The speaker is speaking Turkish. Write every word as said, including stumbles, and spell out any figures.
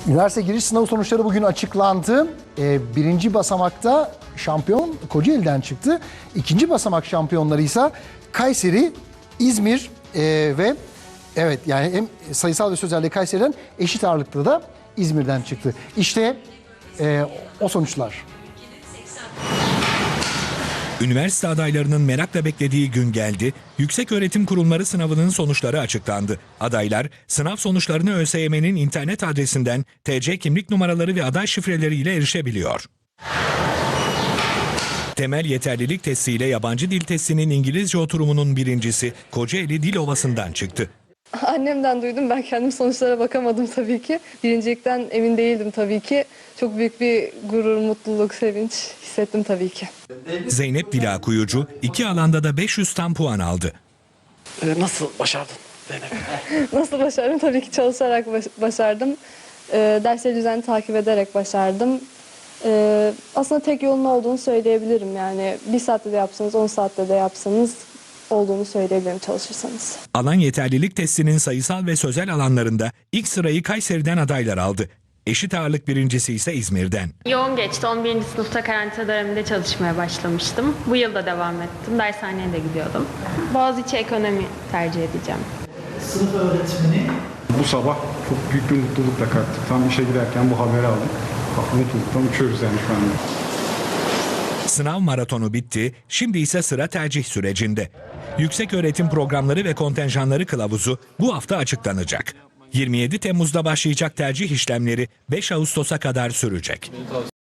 Üniversite giriş sınavı sonuçları bugün açıklandı. Ee, birinci basamakta şampiyon Kocaeli'den çıktı. İkinci basamak şampiyonları ise Kayseri, İzmir e, ve evet yani hem sayısal ve sözelde Kayseri'den, eşit ağırlıkta da İzmir'den çıktı. İşte e, o sonuçlar. Üniversite adaylarının merakla beklediği gün geldi. Yükseköğretim Kurumları sınavının sonuçları açıklandı. Adaylar sınav sonuçlarını ÖSYM'nin internet adresinden T C kimlik numaraları ve aday şifreleriyle erişebiliyor. Temel yeterlilik testiyle yabancı dil testinin İngilizce oturumunun birincisi Kocaeli Dil Ovası'ndan çıktı. Annemden duydum. Ben kendim sonuçlara bakamadım tabii ki. Birincilikten emin değildim tabii ki. Çok büyük bir gurur, mutluluk, sevinç hissettim tabii ki. Zeynep Dila Kuyucu iki alanda da beş yüz tam puan aldı. Ee, nasıl başardın Zeynep? Nasıl başardım? Tabii ki çalışarak baş- başardım. Ee, dersleri düzenli takip ederek başardım. Ee, aslında tek yolun olduğunu söyleyebilirim. Yani bir saatte de yapsanız, on saatte de yapsanız olduğunu söyleyebilirim çalışırsanız. Alan yeterlilik testinin sayısal ve sözel alanlarında ilk sırayı Kayseri'den adaylar aldı. Eşit ağırlık birincisi ise İzmir'den. Yoğun geçti. on birinci sınıfta karantina döneminde çalışmaya başlamıştım. Bu yıl da devam ettim. Dershaneye de gidiyordum. Boğaziçi ekonomi tercih edeceğim. Sınıf öğretmeni. Bu sabah çok büyük bir mutlulukla kalktık. Tam işe giderken bu haberi aldık. Bak, mutluluktan uçuyoruz yani şu anda. Sınav maratonu bitti, şimdi ise sıra tercih sürecinde. Yükseköğretim Programları ve Kontenjanları Kılavuzu bu hafta açıklanacak. yirmi yedi Temmuz'da başlayacak tercih işlemleri beş Ağustos'a kadar sürecek.